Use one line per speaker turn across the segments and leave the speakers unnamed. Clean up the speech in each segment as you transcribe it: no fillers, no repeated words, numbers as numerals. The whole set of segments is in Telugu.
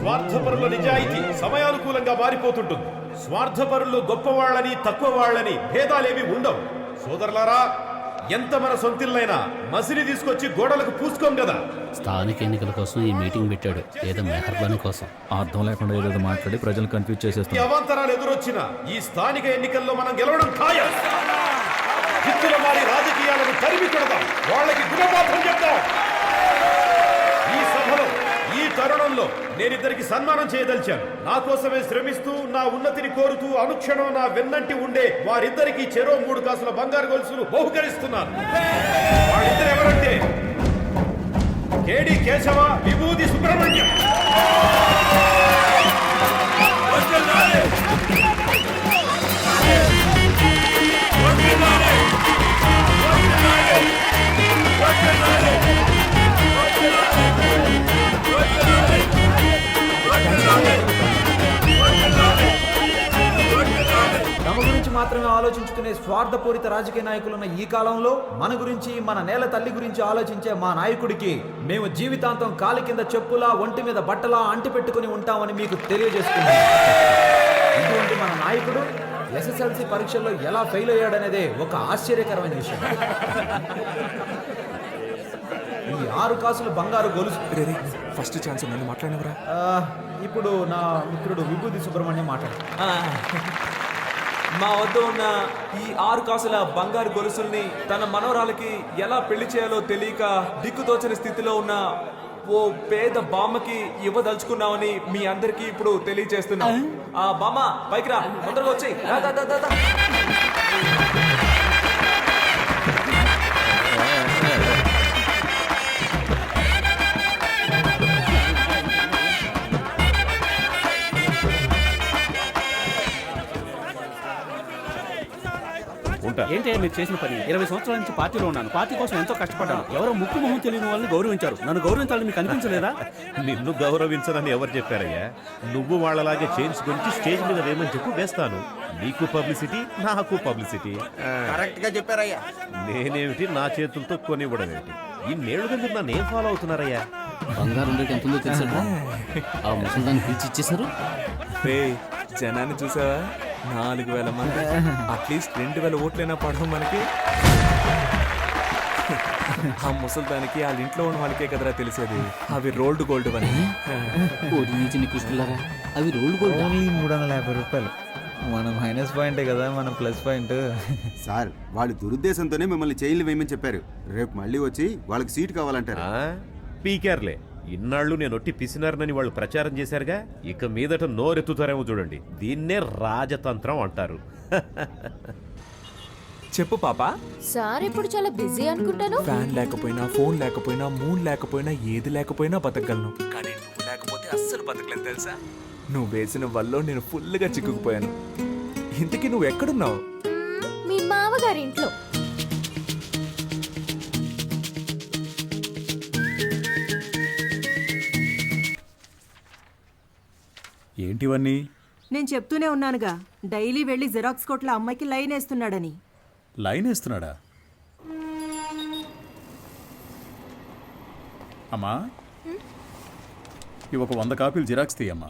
స్వార్థపరుల నిజాయితీ సమయానుకూలంగా మారిపోతుంటుంది. స్వార్థపరులు గొప్పవాళ్ళని తక్కువ వాళ్ళని భేదాలేమి ఉండవు. సోదరులారా, ఎంత మన సొంతిల్లైనా మసిలి తీసుకొచ్చి గోడలకు పూసుకోం కదా.
స్థానిక ఎన్నికల కోసం ఈ మీటింగ్ పెట్టాడు, ఏదో మెహర్బానీ కోసం.
అర్థం లేకుండా ఏదో మాట్లాడి ప్రజలు కన్ఫ్యూజ్ చేసేస్తాం.
అవాంతరాలు ఎదురొచ్చినా ఈ స్థానిక ఎన్నికల్లో మనం గెలవడం ఖాయం. జిత్తుల వారి రాజకీయాలను తరిమి కొడదాం, వాళ్ళకి గుణపాఠం చెప్తాం. ఈ సభలో ఈ తరుణంలో నేనిద్దరికి సన్మానం చేయదలిచాను. నా కోసమే శ్రమిస్తూ నా ఉన్నతిని కోరుతూ అనుక్షణం నా వెన్నంటి ఉండే వారిద్దరికి చెరో 3 కాసుల బంగారు గొలుసులు బహుకరిస్తున్నాను. వాళ్ళిద్దరు ఎవరంటే కేడి కేశవ, విభూతి సుబ్రహ్మణ్యం.
తమ గురించి మాత్రమే ఆలోచించుకునే స్వార్థపూరిత రాజకీయ నాయకులున్న ఈ కాలంలో మన గురించి, మన నేల తల్లి గురించి ఆలోచించే మా నాయకుడికి మేము జీవితాంతం కాలి కింద చెప్పులా, ఒంటి మీద బట్టలా అంటిపెట్టుకుని ఉంటామని మీకు తెలియజేస్తున్నాం. ఇటువంటి మన నాయకుడు ఎస్ఎస్ఎల్సి పరీక్షల్లో ఎలా ఫెయిల్ అయ్యాడనేదే ఒక ఆశ్చర్యకరమైన విషయం. ఈ 6 కాసులు బంగారు గొలుసు.
ఫస్ట్ ఛాన్స్ నన్ను మాట్లాడినవరా?
ఇప్పుడు నా మిత్రుడు విభూతి సుబ్రహ్మణ్యం మాట్లాడు.
మా వద్ద ఉన్న ఈ 6 కాసుల బంగారు గొలుసుల్ని తన మనవరాలకి ఎలా పెళ్లి చేయాలో తెలియక దిక్కుతోచని స్థితిలో ఉన్న ఓ పేద బామ్మకి ఇవ్వదలుచుకున్నామని మీ అందరికీ ఇప్పుడు తెలియజేస్తున్నాం. ఆ బామ్మ పైకి రా, తొందరగా వచ్చేయ్.
ఏంటి మీరు చేసిన పని? 20 సంవత్సరాల నుంచి పార్టీలో ఉన్నాను, పార్టీ కోసం ఎంతో కష్టపడ్డాను. ఎవరో ముక్కు మొహం తెలియని వాళ్ళని గౌరవించారు, నన్ను గౌరవించాలని మీకు అనిపించలేదా?
నిన్ను గౌరవించదని ఎవరు చెప్పారయ్యా? నువ్వు వాళ్ళలాగే చైన్స్ గురించి స్టేజ్ మీద వేయమని చెప్పు, వేస్తాను. నీకు పబ్లిసిటీ, నాకు పబ్లిసిటీ.
కరెక్ట్ గా చెప్పారయ్యా.
నేనేమిటి నా చేతులతో కొనివ్వడం ఏమిటి? ఇన్నేళ్లుగా మీరు నన్ను ఏం ఫాలో అవుతున్నారయ్యా?
బంగారం రేట్ ఎంత ఉందో తెలుసా? ఆ ముసలిదాన్ని పిలిచి ఇచ్చేసారు.
జనాన్ని చూసావా? 4000 మంది. అట్లీస్ట్ 2000 ఓట్లైనా పడవు మనకి. ఆ ముసల్దానికి వాళ్ళ ఇంట్లో ఉన్న వాళ్ళకే కదరా తెలిసేది అవి రోల్డ్ గోల్డ్ అని.
అవి రోల్డ్ గోల్డ్.
350 రూపాయలు. మన మైనస్ పాయింటే కదా మన ప్లస్ పాయింట్.
సార్, వాళ్ళు దురుద్దేశంతోనే మిమ్మల్ని చైన్లు వేయమని చెప్పారు. రేపు మళ్ళీ వచ్చి వాళ్ళకి సీట్ కావాలంటారు.
పీకేర్లే, ఇన్నాళ్ళు నేను ఒట్టి పిసినారనని వాళ్ళు ప్రచారం చేశారుగా, ఇక మీదట నోరెత్తుతారేమో చూడండి. దీన్నే రాజతంత్రం అంటారు.
చెప్పు పాపా.
సార్ ఇప్పుడు చాలా బిజీ అనుకుంటాను.
ఫ్యాన్ లేకపోయినా, ఫోన్ లేకపోయినా, మూన్ లేకపోయినా, ఏది లేకపోయినా బతకగలను. కానీ నువ్వు లేకపోతే అస్సలు బతకలేను తెలుసా? నువ్వు వేసిన వల్ల నేను ఫుల్గా చిక్కుకుపోయాను. ఇంతకీ నువ్వు ఎక్కడున్నావు?
మీ మామగారి ఇంట్లో.
ఏంటివన్నీ?
నేను చెప్తూనే ఉన్నానుగా, డైలీ వెళ్ళి జిరాక్స్ కొట్ల అమ్మాయికి లైన్ వేస్తున్నాడని.
లైన్ వేస్తున్నాడా? అమ్మా, ఇవి ఒక 100 కాపీలు జిరాక్స్ తీయమ్మా.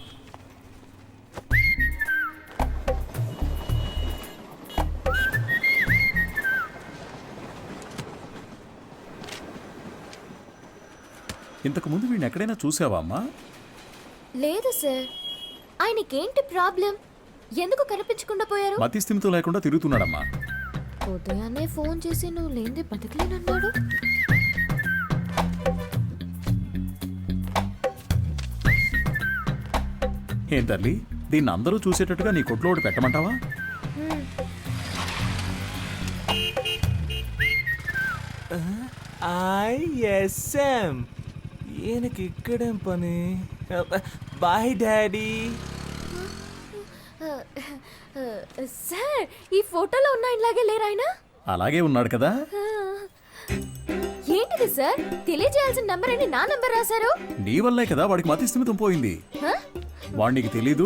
ఇంతకుముందు వీడిని ఎక్కడైనా చూసావా అమ్మా?
లేదు సార్. ఆయనకేంటి ప్రాబ్లం? ఎందుకు కనిపించకుండా పోయారు?
మతి స్థిమితం లేకుండా తిరుగుతున్నాడమ్మా.
ఉదయాన్నే ఫోన్ చేసి నువ్వు లేనిదే బతకలేనన్నాడు.
ఏం తల్లి, దీన్ని అందరూ చూసేటట్టుగా నీ కొట్లో ఒకటి పెట్టమంటావా?
ఐఎస్ఎం. ఈయనకి ఇక్కడేం పని? Bye daddy.
సార్, ఈ ఫోటోలో ఉన్న ఇలాగే లేరు ఆయన?
అలాగే ఉన్నాడు కదా.
ఏంటిది సార్? తెలియజేయాల్సిన నంబర్ అని నా నంబర్ రాశారు.
నీ వల్లే కదా వాడికి మతి స్థిమితం పోయింది. వాడికి తెలీదు.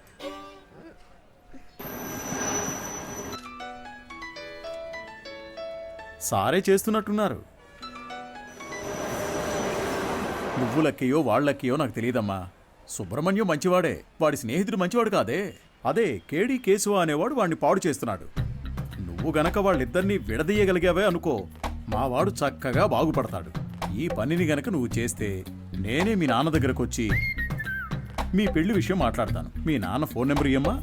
సారే చేస్తున్నట్టున్నారు. నువ్వు లక్కయో వాళ్ళక్కయో నాకు తెలియదమ్మా. సుబ్రహ్మణ్యం మంచివాడే, వాడి స్నేహితుడు మంచివాడు కాదే. అదే కేడి కేశవ అనేవాడు వాడిని పాడు చేస్తున్నాడు. నువ్వు గనక వాళ్ళిద్దరినీ విడదీయగలిగావే అనుకో, మావాడు చక్కగా బాగుపడతాడు. ఈ పనిని గనక నువ్వు చేస్తే నేనే మీ నాన్న దగ్గరకు వచ్చి మీ పెళ్లి విషయం మాట్లాడతాను. మీ నాన్న ఫోన్ నెంబర్ ఇయ్యమ్మా.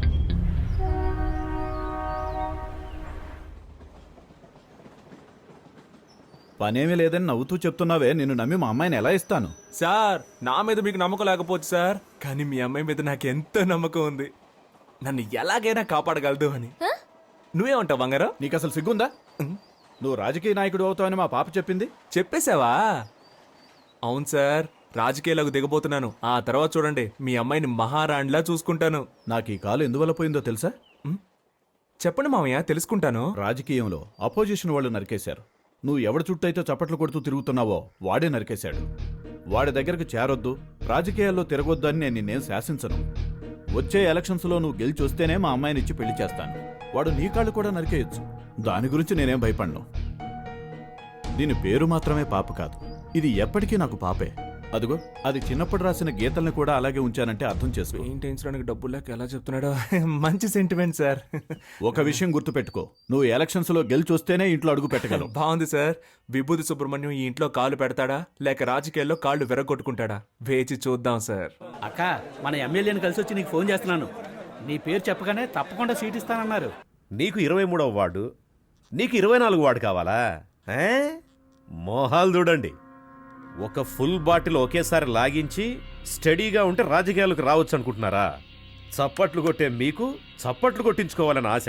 పనేమీ లేదని నవ్వుతూ చెప్తున్నావే, నిన్ను నమ్మి మా అమ్మాయిని ఎలా ఇస్తాను?
సార్ నా మీద మీకు నమ్మకం లేకపోవచ్చు సార్, కానీ మీ అమ్మాయి మీద నాకు ఎంతో నమ్మకం ఉంది. నన్ను ఎలాగైనా కాపాడగలదు అని. నువ్వేమంటావు బంగారం?
నీకు అసలు సిగ్గుందా? నువ్వు రాజకీయ నాయకుడు అవుతావని మా పాప చెప్పింది.
చెప్పేశావా? అవును సార్, రాజకీయాలకు దిగబోతున్నాను. ఆ తర్వాత చూడండి, మీ అమ్మాయిని మహారాణిలా చూసుకుంటాను.
నాకు ఈ కాలు ఎందువల్ల పోయిందో తెలుసా?
చెప్పండి మామయ్య, తెలుసుకుంటాను.
రాజకీయంలో అపోజిషన్ వాళ్ళు నరికేశారు. నువ్వు ఎవడి చుట్టూ అయితే చప్పట్లు కొడుతూ తిరుగుతున్నావో వాడే నరికేశాడు. వాడి దగ్గరకు చేరొద్దు, రాజకీయాల్లో తిరగొద్దు అని నేను నిన్నేం శాసించను. వచ్చే ఎలక్షన్స్లో నువ్వు గెలిచి వస్తేనే మా అమ్మాయిని ఇచ్చి పెళ్లి చేస్తాను. వాడు నీ కాళ్ళు కూడా నరికేయొచ్చు, దాని గురించి నేనేం భయపడను. దీని పేరు మాత్రమే పాప కాదు, ఇది ఎప్పటికీ నాకు పాపే. అదిగో అది చిన్నప్పుడు రాసిన గీతల్ని కూడా అలాగే ఉంచానంటే అర్థం చేసుకో.
పెయింటించడానికి డబ్బులు లేక ఎలా చెప్తున్నాడో. మంచి సెంటిమెంట్ సార్.
ఒక విషయం గుర్తుపెట్టుకో, నువ్వు ఎలక్షన్స్లో గెలిచి వస్తేనే ఇంట్లో అడుగు పెట్టగలవు.
బాగుంది సార్. విభూతి సుబ్రహ్మణ్యం ఈ ఇంట్లో కాళ్ళు పెడతాడా లేక రాజకీయాల్లో కాళ్ళు విరగొట్టుకుంటాడా? వేచి చూద్దాం సార్.
అక్క, మన ఎమ్మెల్యేని కలిసి వచ్చి నీకు ఫోన్ చేస్తున్నాను. నీ పేరు చెప్పగానే తప్పకుండా సీట్ ఇస్తానన్నారు.
నీకు 23వ వార్డు, నీకు 24 వార్డు కావాలా? మోహాలు చూడండి. ఒక ఫుల్ బాటిల్ ఒకేసారి లాగించి స్టడీగా ఉంటే రాజకీయాలకు రావచ్చు అనుకుంటున్నారా? చప్పట్లు కొట్టే మీకు చప్పట్లు కొట్టించుకోవాలని ఆశ?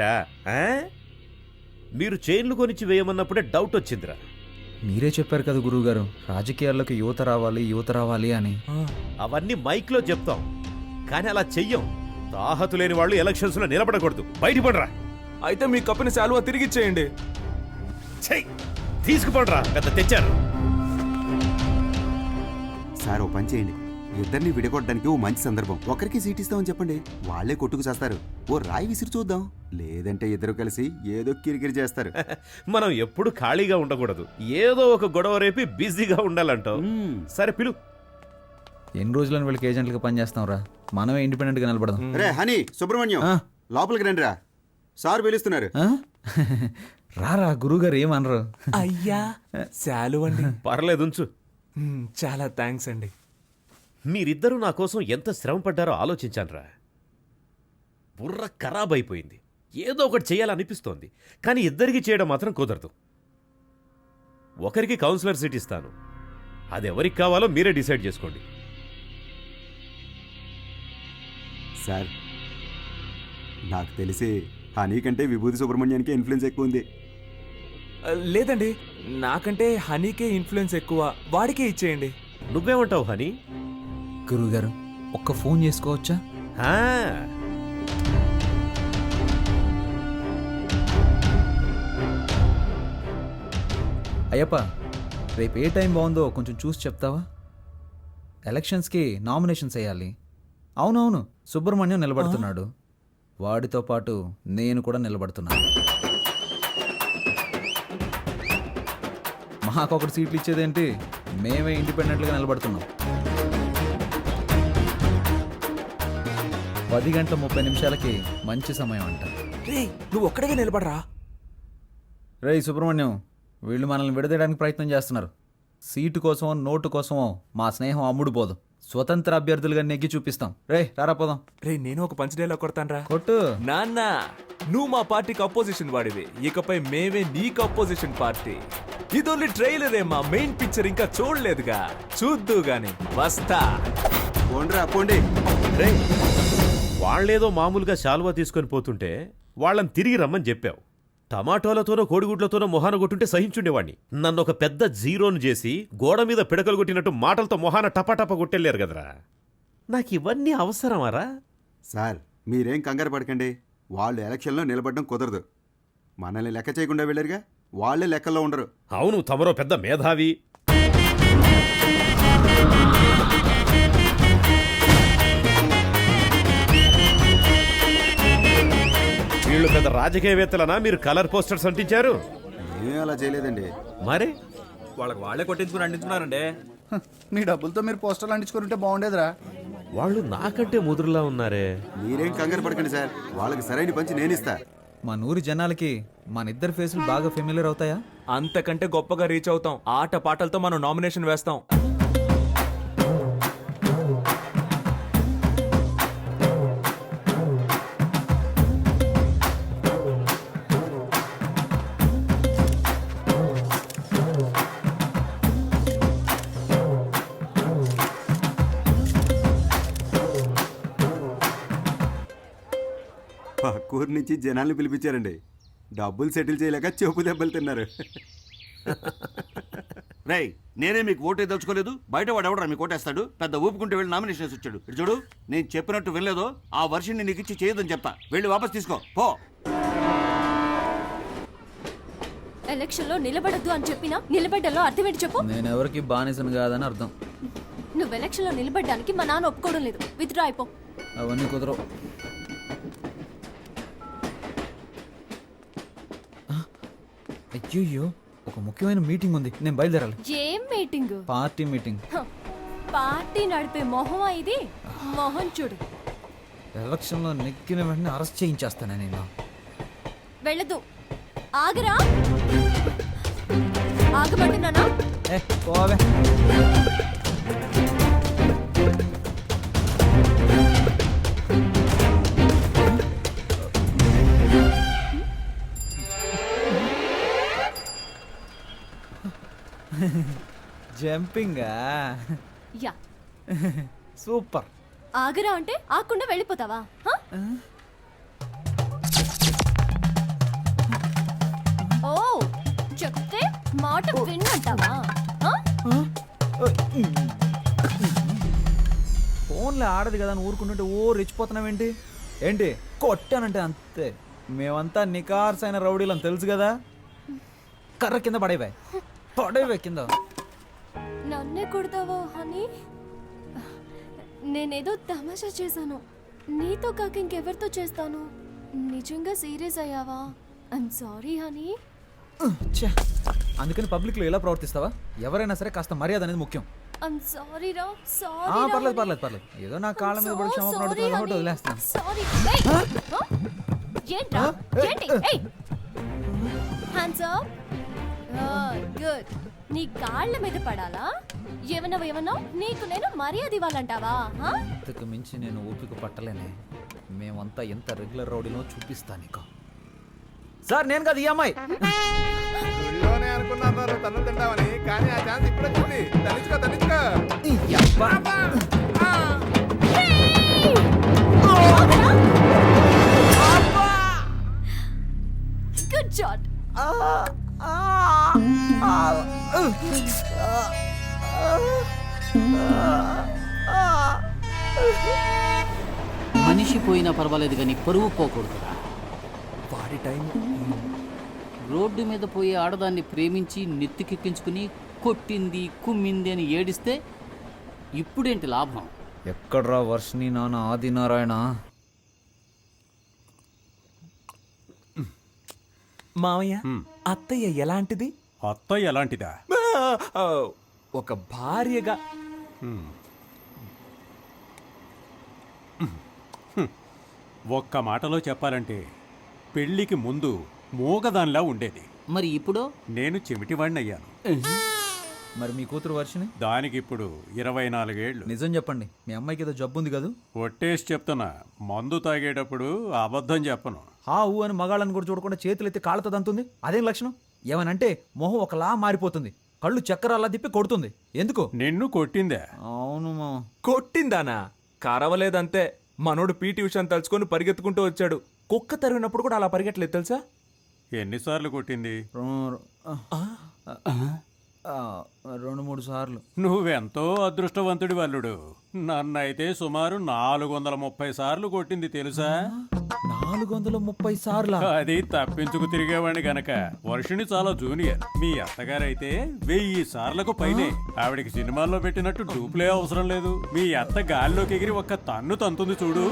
మీరు చైన్లు కొనిచ్చి వేయమన్నప్పుడే డౌట్ వచ్చిందిరా.
మీరే చెప్పారు కదా గురువుగారు, రాజకీయాల్లోకి యువత రావాలి అని.
అవన్నీ మైక్లో చెప్తాం, కానీ అలా చెయ్యం. తాహతు లేని వాళ్ళు ఎలక్షన్స్లో నిలబడకూడదు. బయటపడరా.
అయితే మీ కప్పిన శాలువా తిరిగిచ్చేయండి.
చెయ్యి తీసుకుపడరా, పెద్ద తెచ్చారు.
సార్ ఓ పని చేయండి, ఇద్దరిని విడగొట్టడానికి ఓ మంచి సందర్భం. ఒకరికి సీట్ ఇస్తామని చెప్పండి, వాళ్లే కొట్టుకు చేస్తారు. ఓ రాయి విసిరి చూద్దాం, లేదంటే ఇద్దరు కలిసి ఏదో కిరికిరి చేస్తారు.
మనం ఎప్పుడు ఖాళీగా ఉండకూడదు, ఏదో ఒక గొడవ రేపి బిజీగా ఉండాలంటావు. సరే పిలు.
ఎన్ని రోజులని వీళ్ళకి ఏజెంట్లుగా పనిచేస్తాం రా, మనమే ఇండిపెండెంట్ గా నిలబడదాం.
రే హనీ, సుబ్రహ్మణ్యం లోపలికి రండి రా, సార్ పిలుస్తున్నారు.
రారా, గురువుగారు ఏమనరు.
అయ్యా శాలువండి.
పర్లేదు ఉంచు.
చాలా థ్యాంక్స్ అండి.
మీరిద్దరూ నా కోసం ఎంత శ్రమ పడ్డారో ఆలోచించానురా. బుర్ర ఖరాబ్ అయిపోయింది. ఏదో ఒకటి చేయాలనిపిస్తోంది, కానీ ఇద్దరికి చేయడం మాత్రం కుదరదు. ఒకరికి కౌన్సిలర్ సీట్ ఇస్తాను, అది ఎవరికి కావాలో మీరే డిసైడ్ చేసుకోండి.
సార్ నాకు తెలిసి హనీ కంటే విభూతి సుబ్రహ్మణ్యానికి ఇన్ఫ్లుయెన్స్ ఎక్కువ ఉంది.
లేదండి, నాకంటే హనీకే ఇన్ఫ్లుయెన్స్ ఎక్కువ, వాడికే ఇచ్చేయండి.
నువ్వేమంటావు హనీ?
గురువుగారు ఒక్క ఫోన్ చేసుకోవచ్చా? అయ్యప్ప, రేపు ఏ టైం బాగుందో కొంచెం చూసి చెప్తావా? ఎలక్షన్స్కి నామినేషన్స్ వేయాలి. అవునవును, సుబ్రహ్మణ్యం నిలబడుతున్నాడు, వాడితో పాటు నేను కూడా నిలబడుతున్నాను. మాకొకటి సీట్లు ఇచ్చేదేంటి, మేమే ఇండిపెండెంట్గా నిలబడుతున్నాం. 10:30 మంచి సమయం అంట.
నువ్వు ఒక్కడిగా నిలబడరా.
రేయ్ సుబ్రహ్మణ్యం, వీళ్ళు మనల్ని విడదీయడానికి ప్రయత్నం చేస్తున్నారు. సీటు కోసమో నోటు కోసమో మా స్నేహం అమ్ముడు పోదు. స్వతంత్ర అభ్యర్థులుగా నెగ్గి చూపిస్తాం. రే రారా పోదాం.
నేను ఒక పంచ్ డైలాగ్ కొడతాను.
కొట్టు.
నాన్న, నువ్వు మా పార్టీకి అపోజిషన్ వాడివి, ఇకపై మేమే నీకు అపోజిషన్ పార్టీ. ఇది ఓన్లీ ట్రైలరే, మా మెయిన్ పిక్చర్ ఇంకా చూడలేదుగా, చూద్దు గాని. వస్తా.
పోండ్రా పోండి.
వాళ్లేదో మామూలుగా శాలువా తీసుకొని పోతుంటే వాళ్ళని తిరిగి రమ్మని చెప్పావు. టమాటోలతోనో కోడిగుడ్లతోనో మొహాన కొట్టుంటే సహించుండేవాణ్ణి. నన్ను ఒక పెద్ద జీరోను చేసి గోడ మీద పిడకలు కొట్టినట్టు మాటలతో మొహాన టపాటప కొట్టెళ్ళారు కదరా. నాకు ఇవన్నీ అవసరమారా?
సార్ మీరేం కంగారు పడకండి, వాళ్ళు ఎలక్షన్లో నిలబడడం కుదరదు. మనల్ని లెక్క చేయకుండా వెళ్ళారుగా, వాళ్ళే లెక్కల్లో ఉండరు.
అవును, తమరో పెద్ద మేధావి. వీళ్ళు పెద్ద రాజకీయవేత్తలనా మీరు కలర్ పోస్టర్స్ అంటించారు?
ఏమీ అలా చేయలేదండి.
మరి
వాళ్ళకి వాళ్ళే కొట్టించుకుని అంటించున్నారండి.
మీ డబ్బులతో మీరు పోస్టర్లు అంటించుకుంటే బాగుండేదిరా.
వాళ్ళు నాకంటే ముదురులా ఉన్నారే.
మీరేం కంగారు పడకండి సార్, వాళ్ళకి సరైన పంచి నేనిస్తా.
మన ఊరి జనాలకి మన ఇద్దరు ఫేసులు బాగా ఫెమిలియర్ అవుతాయా?
అంతకంటే గొప్పగా రీచ్ అవుతాం. ఆట పాటలతో మనం నామినేషన్ వేస్తాం.
పక్కూరు నుంచి జనాల్ని పిలిపించారండి. డబ్బులు సెటిల్ చేయలేక చెప్పు దెబ్బలు తిన్నారు.
రేయ్, నేనే మీకు ఓటే దలుచుకోలేదు. బయట వాడు ఎవడరా మీకు ఓటేస్తాడు? పెద్ద ఊపుకుంటూ వెళ్ళి నామినేషన్ వచ్చాడు. ఇటు చూడు, నేను చెప్పినట్టు వెళ్ళలేదో ఆ వర్షిని నీకు ఇచ్చి చేయదని చెప్తా. వెళ్ళి వాపస్ తీసుకో పో.
ఎలక్షన్ లో నిలబడద్దు అని చెప్పినా నిలబడ్డలో అర్థం ఏంటి చెప్పు.
నేను ఎవరికి బానిసను కాదని అర్థం.
నువ్వు ఎలక్షన్ లో నిలబడ్డానికి మా నాన్న ఒప్పుకోవడం లేదు. విత్డ్రా అయిపో.
అవన్నీ కుదరవు. అయ్యో, ఒక ముఖ్యమైన మీటింగ్ ఉంది, నేను బయలుదేరాలి.
ఏం మీటింగ్?
Party meeting.
పార్టీ నడిపే మొహమా ఇది? మొహం చూడు.
ఎలక్షన్లో నెక్కిన వెంటనే అరెస్ట్ చేయించేస్తాను నేను.
వెళ్ళదు. ఆగరా. ఆగబడుతున్నానా?
పోవే. జంపింగా?
యా.
సూపర్.
ఆగరా అంటే ఆకుండా వెళ్ళిపోతావా? ఓ, చెప్తే మాట విన్నంటావా?
ఫోన్లో ఆడదు కదా అని ఊరుకుంటుంటే ఓ రెచ్చిపోతున్నావేంటి? ఏంటి కొట్టానంటే అంతే. మేమంతా నికార్సైన రౌడీలని తెలుసు కదా. కర్ర కింద పడేవే కింద.
నన్నే కొడతావా హనీ? నేనేదో తమాషా చేశాను. నీతో కాక ఇంకెవరితో చేస్తాను? నిజంగా సీరియస్ అయ్యావా? I'm sorry honey.
అందుకని పబ్లిక్ లో ఎలా ప్రవర్తిస్తావా? ఎవరైనా సరే కాస్త మర్యాద అనేది ముఖ్యం.
ఐమ్ సారీ రా. సారీ.
పర్లేదు. ఏదో నా కాళ్ళ మీద పడి క్షమాపణ అడుగుతున్నా కాబట్టి వదిలేస్తాను.
సారీ. ఏంట్రా? ఏంటి? ఏయ్, హ్యాండ్స్ అప్. గుడ్. నీ కాళ్ళ మీద పడాలా? ఏమన్నా నీకు నేను మర్యాద ఇవ్వాలంటావా?
ఇంతకు మించి నేను ఓపిక పట్టలేనే. మేమంతా ఎంత రెగ్యులర్ రౌడీలో చూపిస్తా నీకు. సార్, నేను కదా ఈ అమ్మాయి.
అనుకున్నారు తను తింటామని, కానీ ఆ ఛాన్స్ ఇప్పుడే చూడండి. తనిచ్చుకో.
Good shot.
మనిషి పోయినా పర్వాలేదు కానీ పరువు పోకూడదురా.
వాడి టైం.
రోడ్డు మీద పోయే ఆడదాన్ని ప్రేమించి నెత్తికెక్కించుకుని కొట్టింది కుమ్మింది అని ఏడిస్తే ఇప్పుడేంటి లాభం?
ఎక్కడ్రా వర్షిని నాన్న ఆదినారాయణ?
మామయ్య, అత్తయ్య ఎలాంటిది?
అత్తయ్య ఎలాంటిదా?
ఒక భార్యగా.
ఒక్క మాటలో చెప్పాలంటే పెళ్లికి ముందు మూగదానిలా ఉండేది.
మరి ఇప్పుడు
నేను చెమిటివాణ్ణయ్యాను.
మరి మీ కూతురు వర్షిని?
దానికి ఇప్పుడు 24 ఏళ్ళు.
నిజం చెప్పండి, మీ అమ్మాయికి ఏదో జబ్బు ఉంది కదా?
ఒట్టేసి చెప్తున్నా, మందు తాగేటప్పుడు అబద్ధం చెప్పను.
ఊ అని మగాళ్ళని కూడా చూడకుండా చేతులు ఎత్తి కాళ్ళతో దంతుంది. అదేం లక్షణం? ఏమనంటే మొహం ఒకలా మారిపోతుంది, కళ్ళు చక్రాలా తిప్పి కొడుతుంది. ఎందుకు?
నిన్ను కొట్టిందే?
అవును మామ.
కొట్టిందానా? కరవలేదంతే. మనోడు పీటీ ఉషాని తలుచుకొని పరిగెత్తుకుంటూ వచ్చాడు. కుక్క తరిగినప్పుడు కూడా అలా పరిగెట్టలేదు తెలుసా?
ఎన్నిసార్లు కొట్టింది?
2-3 సార్లు.
నువ్వెంతో అదృష్టవంతుడి వల్లుడు. నన్నైతే సుమారు 430 సార్లు కొట్టింది తెలుసా?
430 సార్లు?
అది తప్పించుకు తిరిగేవాడిని గనక. వర్షిని చాలా జూనియర్. మీ అత్తగారైతే 1000 సార్లకు పైనే. ఆవిడికి సినిమాల్లో పెట్టినట్టు డూప్లే అవసరం లేదు. మీ అత్త గాల్లోకి ఎగిరి ఒక్క తన్ను తంతుంది చూడు.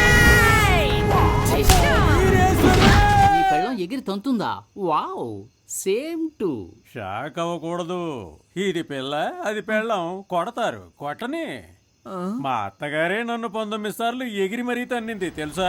ఈ పెళ్ళం ఎగిరి తంతుందా? Wow, same to.
షాక్ అవ్వకూడదు. ఇది పిల్ల అది పెళ్ళం, కొడతారు కొట్టని. మా అత్తగారే నన్ను 19 సార్లు ఎగిరి మరీ తన్నింది తెలుసా.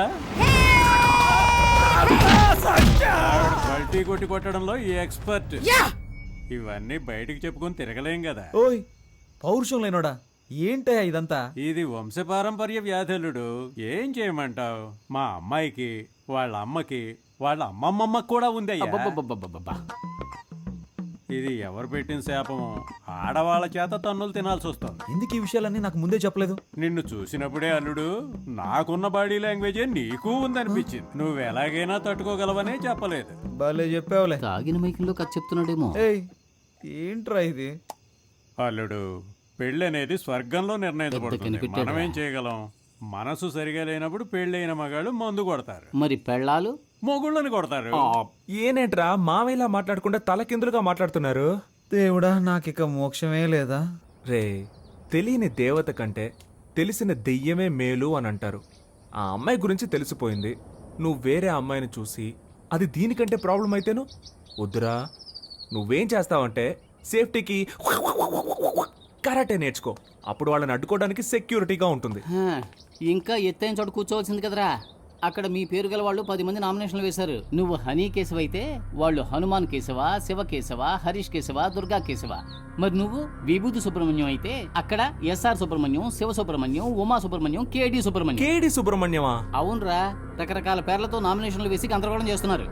పల్టీ కొట్టి కొట్టడంలో ఈ ఎక్స్పర్ట్. ఇవన్నీ బయటికి చెప్పుకొని తిరగలేం కదా.
ఓయ్ పౌరుషం లేనోడా, ఏంటయ్యా ఇదంతా?
ఇది వంశపారంపర్య వ్యాధులుడు. ఏం చేయమంటావు? మా అమ్మాయికి, వాళ్ళ అమ్మకి, వాళ్ళ అమ్మమ్మమ్మకి కూడా ఉంది.
అబ్బబ్బబ్బబ్బబ్బబ్బా.
ఇది ఎవరు పెట్టిన శాపము? ఆడవాళ్ళ చేత తన్నులు తినాల్సి వస్తుంది.
ఎందుకు ఈ విషయాలన్నీ నాకు ముందే చెప్పలేదు?
నిన్ను చూసినప్పుడే అల్లుడు, నాకున్న బాడీ లాంగ్వేజే నీకు ఉందనిపించింది. నువ్వు ఎలాగైనా తట్టుకోగలవనే చెప్పలేదు.
భలే చెప్పావులే.
తాగిన మైకంలో కథ చెప్తున్నాడేమో.
ఏయ్ ఏంట్రా ఇది?
అల్లుడు, పెళ్ళి అనేది స్వర్గంలో నిర్ణయించబడుతుంది.
కనిపెట్టాడా?
మనం ఏం చేయగలం? మనసు సరిగా లేనప్పుడు పెళ్ళైన మగాళ్ళు మందు కొడతారు,
మరి పెళ్ళాలు
మొగుళ్ళని కొడతారు.
ఏనేంట్రా మావేలా మాట్లాడకుండా తలకిందులుగా మాట్లాడుతున్నారు?
దేవుడా, నాకిక మోక్షమే లేదా?
రే, తెలియని దేవత కంటే తెలిసిన దెయ్యమే మేలు అని అంటారు. ఆ అమ్మాయి గురించి తెలిసిపోయింది. నువ్వు వేరే అమ్మాయిని చూసి అది దీనికంటే ప్రాబ్లం అయితేను వద్దురా. నువ్వేం చేస్తావంటే సేఫ్టీకి కరాటే నేర్చుకో. అప్పుడు వాళ్ళని అడ్డుకోవడానికి సెక్యూరిటీగా ఉంటుంది.
హా, ఇంకా ఎత్తైన చోట కూర్చోవలసింది కదరా. అక్కడ మీ పేరు గల వాళ్ళు 10 మంది నామినేషన్లు వేశారు. నువ్వు హనీ కేశవ అయితే వాళ్ళు హనుమాన్ కేశవ, శివ కేశవ, హరీష్ కేశవ, దుర్గా కేశవ. మరి నువ్వు విభూతి సుబ్రహ్మణ్యం అయితే అక్కడ ఎస్ఆర్ సుబ్రహ్మణ్యం, శివ సుబ్రహ్మణ్యం, ఉమా సుబ్రహ్మణ్యం, కేడి సుబ్రహ్మణ్యం.
కేడి సుబ్రహ్మణ్యమా?
అవునరా, రకరకాల పేర్లతో నామినేషన్లు వేసి గందరగోళం చేస్తున్నారు.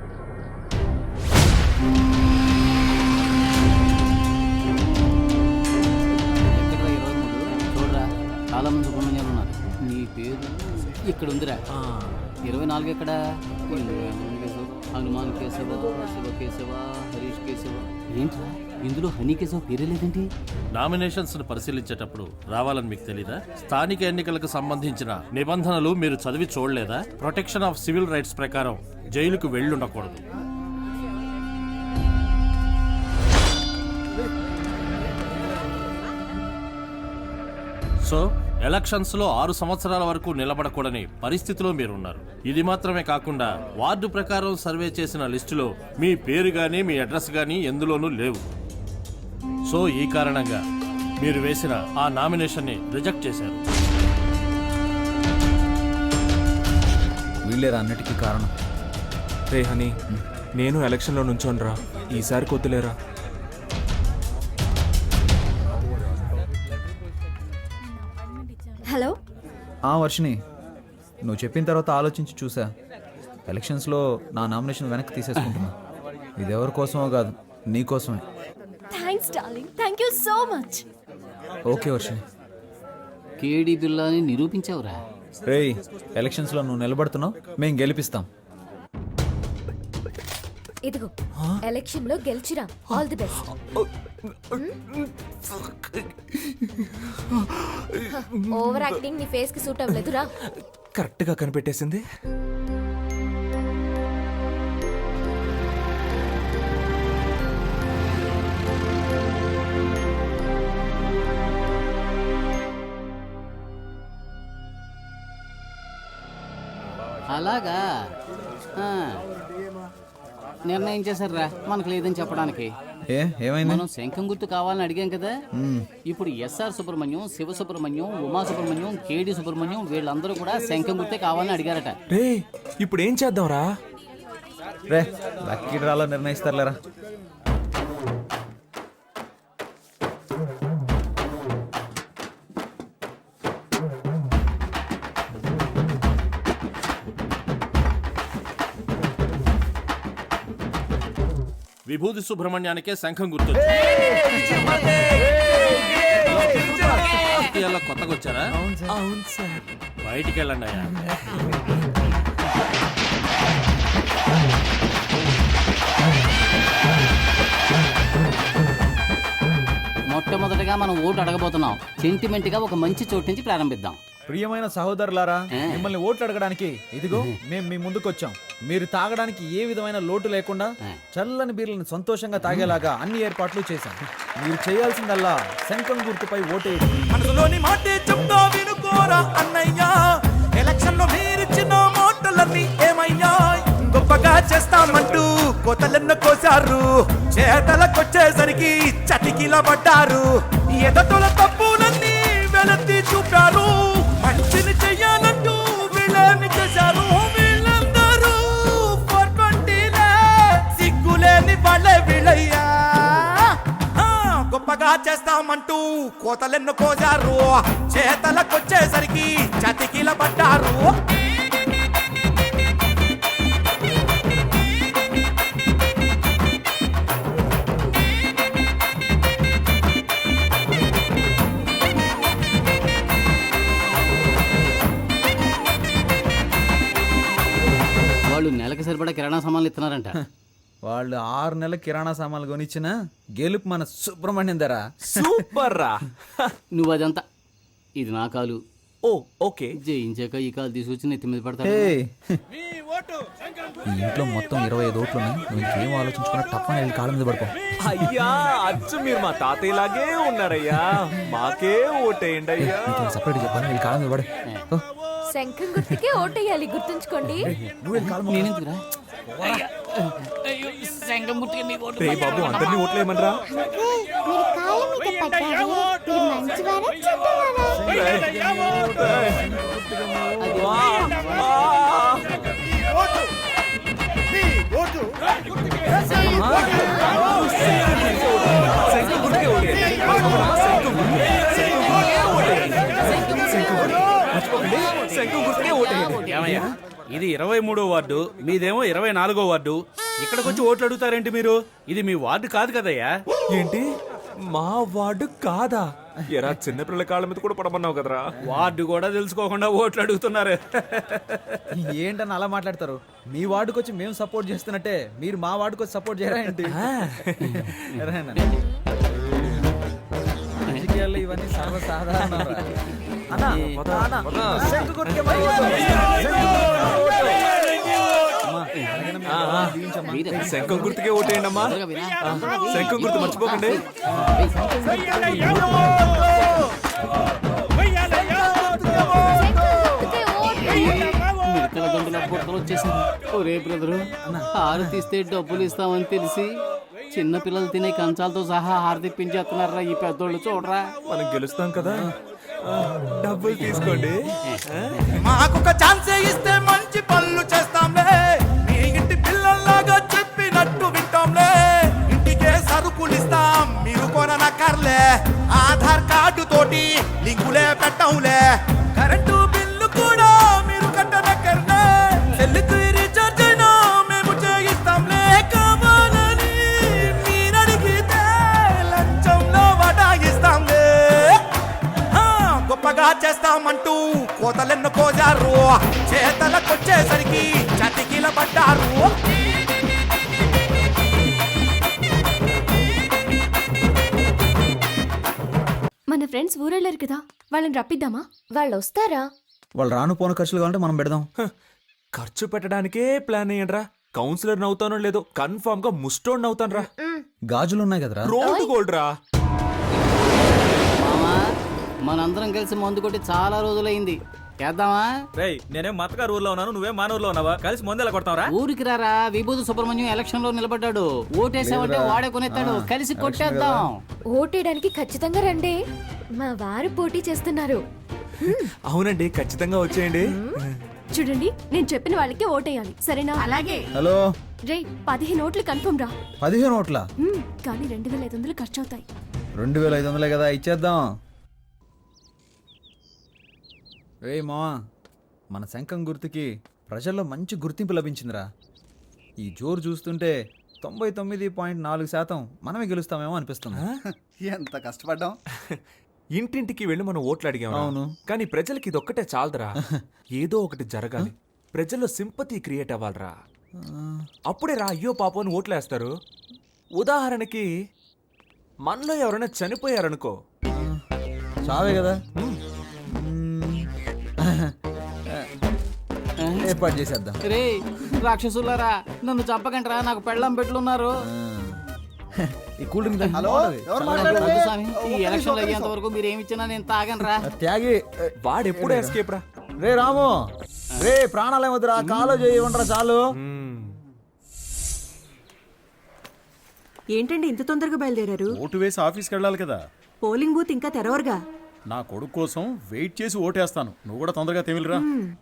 ఎక్కడ్రా 23? చూడరా, చాలా మంది సుబ్రహ్మణ్యాలు ఉన్నారు. నీ పేరు ఇక్కడ ఉందిరా. 24 ఎక్కడ? హనుమాన్ కేశవ, శివ కేశవ, హరీష్ కేశవ. ఏంట్రా ఇందులో హనీ కేశవ పేరే లేదేంటి?
నామినేషన్స్ ను పరిశీలించేటప్పుడు రావాలని మీకు తెలీదా? స్థానిక ఎన్నికలకు సంబంధించిన నిబంధనలు మీరు చదివి చూడలేదా? ప్రొటెక్షన్ ఆఫ్ సివిల్ రైట్స్ ప్రకారం జైలుకు వెళ్ళుండకూడదు. సో ఎలక్షన్స్ లో 6 సంవత్సరాల వరకు నిలబడకూడని పరిస్థితిలో మీరున్నారు. ఇది మాత్రమే కాకుండా వార్డు ప్రకారం సర్వే చేసిన లిస్టులో మీ పేరు గానీ మీ అడ్రస్ గానీ ఎందులోనూ లేవు. సో ఈ కారణంగా మీరు వేసిన ఆ నామినేషన్ ని రిజెక్ట్ చేశారు.
వీళ్ళేరా అన్నిటికీ కారణం.
రే హనీ, నేను ఎలక్షన్లో నుంచోనరా. ఈసారి కొద్దులేరా.
హలో.
వర్షిని, నువ్వు చెప్పిన తర్వాత ఆలోచించి చూసా. ఎలక్షన్స్లో నా నామినేషన్ వెనక్కి తీసేసుకుంటున్నా. ఇది ఎవరి కోసమో కాదు, నీ కోసమే.
Thanks darling, thank you so much.
Okay Varshini.
Kedi బిల్లాని నిరూపించావురా.
రేయ్, ఎలక్షన్స్లో నువ్వు నిలబడుతున్నావు, మేము గెలిపిస్తాం.
ఇదిగో ఎలక్షన్ లో గెలిచిరా. All the best. Over acting నీ ఫేస్ కి సూట్ అవ్వలేదురా.
కరెక్ట్ గా కనిపెట్టేసింది.
అలాగా నిర్ణయం చేశారా మనకు లేదని చెప్పడానికి.
ఏమైంది?
మనం శంఖం గుర్తు కావాలని అడిగాం కదా. ఇప్పుడు ఎస్ఆర్ సుబ్రహ్మణ్యం, శివ సుబ్రహ్మణ్యం, ఉమా సుబ్రహ్మణ్యం, కేడి సుబ్రహ్మణ్యం వీళ్ళందరూ కూడా శంఖం గుర్తే కావాలని అడిగారట.
రే, ఇప్పుడు ఏం చేద్దాంరా?
రే, లక్కీ డ్రాలో నిర్ణయిస్తారులేరా.
విభూతి సుబ్రహ్మణ్యానికే శంఖం గుర్తు. కొత్తగా వచ్చారా?
అవును సార్.
బయటికి వెళ్ళండి అయ్యా.
మొట్టమొదటిగా మనం ఓటు అడగబోతున్నాం. సెంటిమెంట్ గా ఒక మంచి చోటు నుంచి ప్రారంభిద్దాం.
ప్రియమైన సహోదరులారా, మిమ్మల్ని ఓట్లు అడగడానికి ఇదిగో మేము మీ ముందుకు వచ్చాం. మీరు తాగడానికి ఏ విధమైన లోటు లేకుండా చల్లని బీర్లను సంతోషంగా తాగేలాగా అన్ని ఏర్పాట్లు చేశాం. మీరు చేయాల్సిందల్లా శంఖం గుర్తుపై ఓటేయండి.
మనసులోని మాటే చెప్తా వినుకోరా అన్నయ్యా. ఎలక్షన్ లో మీరిచ్చిన మాటలన్నీ ఏమయ్యా? గొప్పగా చేస్తామంటూ కోతలెన్న కోసి కోసారు, చేతలకొచ్చేసరికి చటికిల పడ్డారు. ఎదటల తప్పులన్నీ వెలత్తి చూపారు, మంచిని చెయ్యాలంటూ వీళ్ళని చేశారు. వీళ్ళందరూ 420లే, సిగ్గులేని వాళ్ళే వీళ్ళయ్యా. గొప్పగా చేస్తామంటూ కోతలెన్ను కోసారు, చేతలకొచ్చేసరికి చతికిల పడ్డారు.
వాళ్ళు నెలకి సరిపడా కిరాణా సామాన్లు ఇస్తున్నారంట.
వాళ్ళు 6 నెలల కిరాణా సామాన్లు కొనిచ్చిన గెలుపు మన సుబ్రహ్మణ్యం ధర.
సూపర్ రా.
నువ్వు అదంతా, ఇది నా కాలు.
ఓ ఓకే.
జయించాక ఈ కాలు తీసుకొచ్చి నెత్తి మీద పడతా.
ఈ ఇంట్లో మొత్తం 25 ఓట్లు ఉన్నాయి. నువ్వు ఇంకేం ఆలోచించుకున్నా తప్పని వెళ్ళి కాళ్ళ మీద పడుకో.
అయ్యా అచ్చు మీరు మా తాతయ్యలాగే ఉన్నారయ్యా, మాకే ఓటేయండి అయ్యా.
సపరేట్ చెప్పాను, వెళ్ళి కాళ్ళ మీద పడే.
శంఖం గుర్తుకే ఓటేయాలి, గుర్తుంచుకోండి.
నేనెందుకురా? శంఖం గుర్తుకే మీ ఓటు.
రే బాబు అందరినీ ఓట్లేయమనరా.
మీరు కాళ్ళ మీద పడ్డారు, మీరు మంచివారా చెడ్డవారా?
ఏమయ్యా, ఇది 23వ వార్డు, మీదేమో 24వ వార్డు. ఇక్కడికి వచ్చి ఓట్లు అడుగుతారేంటి మీరు? ఇది మీ వార్డు కాదు కదయ్యా.
ఏంటి మా వార్డు కాదా? ఎరా చిన్నపిల్లల కాళ్ళ మీద కూడా పడమన్నావు కదరా.
వార్డు కూడా తెలుసుకోకుండా ఓట్లు అడుగుతున్నారు.
ఏంటని అలా మాట్లాడతారు? మీ వార్డుకి వచ్చి మేము సపోర్ట్ చేస్తున్నట్టే మీరు మా వార్డుకి వచ్చి సపోర్ట్ చేయరా ఏంటి? రాజకీయాల్లో ఇవన్నీ సర్వసాధారణ.
శంఖం గుర్తుకే ఓటేయండి అమ్మా. శంఖం గుర్తు మర్చిపోకండి.
మిడతల గంటల బుట్టలు వచ్చేసింది. ఒరే బ్రదరు, హారు తీస్తే డబ్బులు ఇస్తామని తెలిసి చిన్న పిల్లలు తినే కంచాలతో సహా హారు తెప్పించేస్తున్నారా ఈ పెద్దోళ్ళు. చూడరా,
మనం గెలుస్తాం కదా, డబ్బులు తీసుకోండి.
మాకొక ఛాన్సే ఇస్తే మంచి పనులు చేస్తాంలే, మీ ఇంటి పిల్లల్లాగా చెప్పినట్టు వింటాంలే. ఇంటికే సరుకులు ఇస్తాం, మీరు కొననక్కర్లే. ఆధార్ కార్డు తోటి లింకులే పెట్టంలే. కరెంటు బిల్లు కూడా మీరు కట్టనక్కర్లే. సెల్లుకు రీఛార్జ్ అయినా మేము చేయిస్తాంలే. కావాలని మీరడిగితే లంచంలో వడాయిస్తాంలే. గొప్పగా చేస్తామంటూ కోతలెన్ను కోజారు, చేతలకొచ్చేసరికి చతికిల పడ్డారు.
మన ఫ్రెండ్స్ ఊరెళ్ళారు కదా, వాళ్ళని రప్పిద్దామా? వాళ్ళు వస్తారా?
వాళ్ళు రాను పోను ఖర్చులు కావాలంటే మనం పెడదాం.
ఖర్చు పెట్టడానికే ప్లాన్ అయ్యండి రా. కౌన్సిలర్ నవ్వుతానో లేదో కన్ఫర్మ్ గా ముస్టోడ్ నవ్వుతాను రా.
గాజులు ఉన్నాయి కదరా.
రోడ్డు గోల్డ్ రా.
మామా, మనందరం కలిసి మందు కొట్టి చాలా రోజులైంది. చేద్దామా?
రేయ్, నేనేం మతగారు ఊర్లో ఉన్నాను, నువ్వేం మానూరులో ఉన్నావా? కలిసి ముందెలా కొడతావరా?
ఊరికి రారా, విభూతి సుబ్రహ్మణ్యం ఎలక్షన్ లో నిలబడ్డాడు. ఓటేసామంటే వాడే కొనేస్తాడు. కలిసి కొట్టేద్దాం.
ఓటేయడానికి ఖచ్చితంగా రండి, మా వారు పోటీ చేస్తున్నారు.
అవునండి, ఖచ్చితంగా వచ్చేయండి.
చూడండి, నేను చెప్పిన వాళ్ళకి ఓటేయాలి, సరేనా? అలాగే.
హలో
రే, 15 ఓట్లు కన్ఫర్మ్ రా.
15 ఓట్ల?
కానీ 2500 ఖర్చు అవుతాయి.
2500 కదా, ఇచ్చేద్దాం. రే మావా, మన శంఖం గుర్తుకి ప్రజల్లో మంచి గుర్తింపు లభించిందిరా. ఈ జోరు చూస్తుంటే 99.4% మనమే గెలుస్తామేమో అనిపిస్తుంది.
ఎంత కష్టపడ్డాం.
ఇంటింటికి వెళ్ళి మనం ఓట్లు అడిగాం.
అవును.
కానీ ప్రజలకి ఇదొక్కటే చాలదురా. ఏదో ఒకటి జరగాలి, ప్రజల్లో సింపతి క్రియేట్ అవ్వాలరా. అప్పుడే రా అయ్యో పాపం ఓట్లు వేస్తారు. ఉదాహరణకి మనలో ఎవరైనా చనిపోయారనుకో,
చావే కదా, ఏర్పాటు చేసేద్దాం.
రే రాక్షసులారా, నన్ను చంపకంటరా, నాకు పెళ్ళం పెట్లున్నారు.
ఈ కూల్ డ్రింక్
ఈ ఎలక్షన్ అయ్యేంత వరకు మీరు ఏమి ఇచ్చినా నేను తాగనరా.
త్యాగి
వాడెప్పుడు ఎస్కేప్ రా.
రే రాము, రే ప్రాణాలు ఏమొద్దురా, కాలో చేయమంటారా చాలు.
ఏంటండి ఇంత తొందరగా బయలుదేరారు?
ఓటు వేసి ఆఫీస్కి వెళ్ళాలి కదా.
పోలింగ్ బూత్ ఇంకా తెరవరుగా.
నా కొడుకు కోసం వెయిట్ చేసి ఓటేస్తాను. నువ్వు కూడా తొందరగా తెమిలిరా.